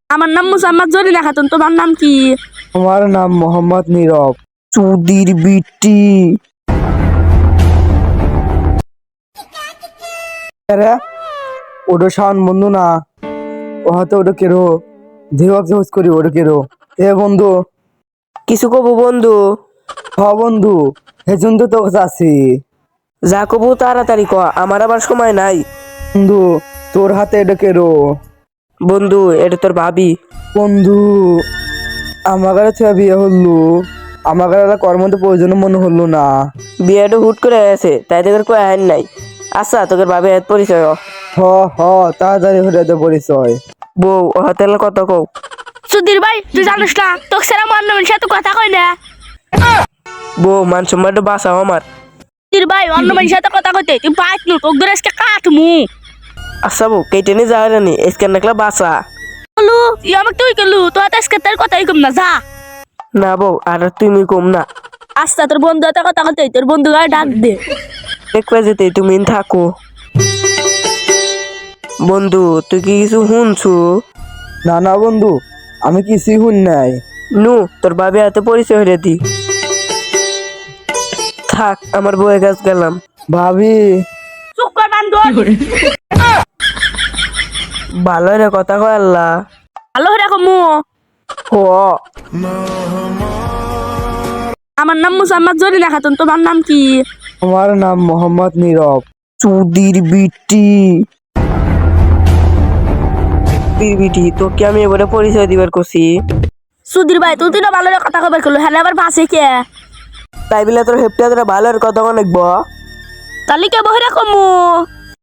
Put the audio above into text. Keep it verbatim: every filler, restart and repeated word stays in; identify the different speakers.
Speaker 1: আমার নাম মুসাম্মদ জরিনা খাতুন। তোমার নাম কি?
Speaker 2: আমার নাম মোহাম্মদ নীরব। চুদির বিটি আরে ওটা শাওন বন্ধু না, ও হয়তো ওটা কেরো ধীর জোস করি ওটা কেরো। এ বন্ধু
Speaker 3: কিছু কব বন্ধু?
Speaker 2: হ বন্ধু, হেজন তো তোর কাছে আছি।
Speaker 3: যা কবু তাড়াতাড়ি ক, আমার আবার সময় নাই।
Speaker 2: বন্ধু তোর হাতে এটা কেরো?
Speaker 3: বন্ধু এটা তোর ভাবি।
Speaker 2: বন্ধু আমার কাছে ছেলে বিয়ে হলো, আমার কাছে কর্ম তো প্রয়োজন মনে হলো না।
Speaker 3: বিয়েটা হুট করে আছে, তাই তোর কই আইন নাই। আচ্ছা তোর ভাবি হাত পরিচয় হ।
Speaker 2: হ হ তাড়াতাড়ি হয়ে যেতে পরিচয়।
Speaker 3: বউ ও হাতে কত কও।
Speaker 1: সুধীর ভাই তুই জানিস না তোকে সেরা অন্য মানুষের সাথে কথা কই না।
Speaker 3: বউ মান সম্মানটা বাঁচাও আমার।
Speaker 1: সুধীর ভাই অন্য মানুষের সাথে কথা কইতে তুই বাইক নু তোকে ধরে আজকে কাটমু।
Speaker 3: আচ্ছা বউ কেটে নি যাওয়ার নি স্ক্যান দেখলা বাঁচা।
Speaker 1: বলু তুই আমাকে তুই গেলু তো আজকে তোর কথাই কম না যা।
Speaker 3: না বউ আর তুমি কম না।
Speaker 1: আচ্ছা তোর বন্ধু হাতে কথা কইতে তোর বন্ধু গায়ে ডাক দে।
Speaker 3: দেখবে যেতে তুমি থাকো। বন্ধু তুই কি কিছু শুনছু?
Speaker 2: না না বন্ধু, আমি কিছুই শুন নাই।
Speaker 3: নু তোর ভাবি হাতে পরিচয় হয়ে দি। থাক আমার বউয়ের কাছে গেলাম।
Speaker 2: ভাবি
Speaker 1: চুপ কর বান্দর।
Speaker 3: ভালো রে কথা কয় আল্লাহ।
Speaker 1: হ্যালো রাখো মু।
Speaker 3: হ
Speaker 1: আমার নাম মুসাম্মদ জরিনা খাতুন। তোমার নাম কি?
Speaker 2: আমার নাম মোহাম্মদ নীরব। চুদির বিটি
Speaker 3: বিটি তোকে আমি এবারে পরিচয় দিবার করছি।
Speaker 1: সুধীর ভাই তুই তো ভালো কথা কবার করলো হ্যাঁ আবার বাসে কে?
Speaker 3: তাই বলে তোর হেপটা তোরা ভালো কথা অনেক ব।
Speaker 1: তাহলে কে বহে রাখো মু।